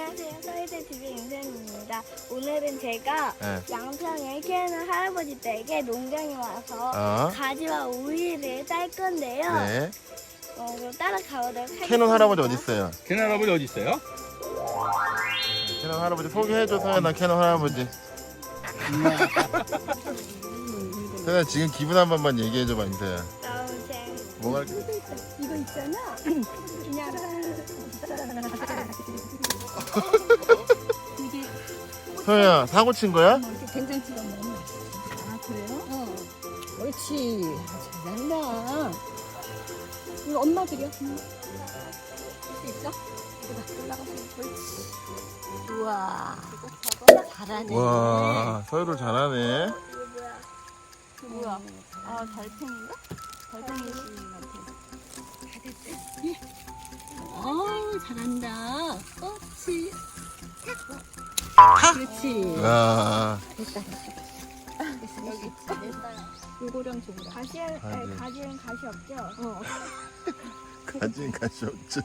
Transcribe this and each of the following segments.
안녕하세요. 서희대 TV 윤선입니다. 오늘은 제가 네. 양평에 캐는 할아버지 댁에 농장에 와서 가지와 오이를 딸 건데요. 네. 그럼 따라가보도록 하겠습니다. 캐논 할아버지 어디 있어요? 캐논 할아버지 어디 있어요? 캐논 할아버지 소개해줘, 서연아. 캐논 할아버지. 서연아, 지금 기분 한 번만 얘기해줘봐, 인서야. 너무 재밌 뭐가 이거 있잖아. 그냥 이게 서연아, 사고 친 거야? 이렇게 된장찌개 먹는. 아 그래요? 어. 옳지. 잘한다. 이거 엄마 드려. 할수 있어? 올라가. 옳지. 우와. 잘하네. 와, 서유를 잘하네. 뭐야? 아, 달팽인가? 달팽이. 잘한다. 옳지. 그렇지. 와, 여기 요거랑 저거랑. 가지는 가시 없죠? 가진 가시 없죠.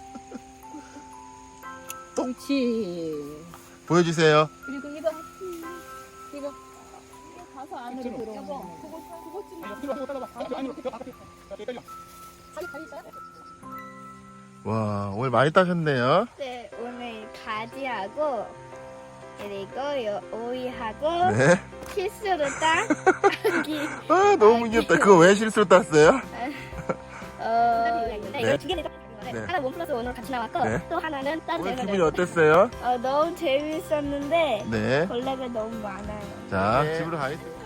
옳지. 보여주세요. 그리고 이거 가서 안으로 들어오는 거. 와, 오늘 많이 따셨네요. 네, 오늘 가지하고 그리고 오이하고 네. 실수로 딴 아기. 아, 너무 귀엽다. 그거 왜 실수로 땄어요? 네, 이거 두 개는 땄는데 네. 하나 원 플러스 원으로 같이 나왔고 네. 또 하나는 딴 오늘 제가 기분이 어땠어요? 너무 재밌었는데 네. 벌레가 너무 많아요. 자, 집으로 가겠습니다.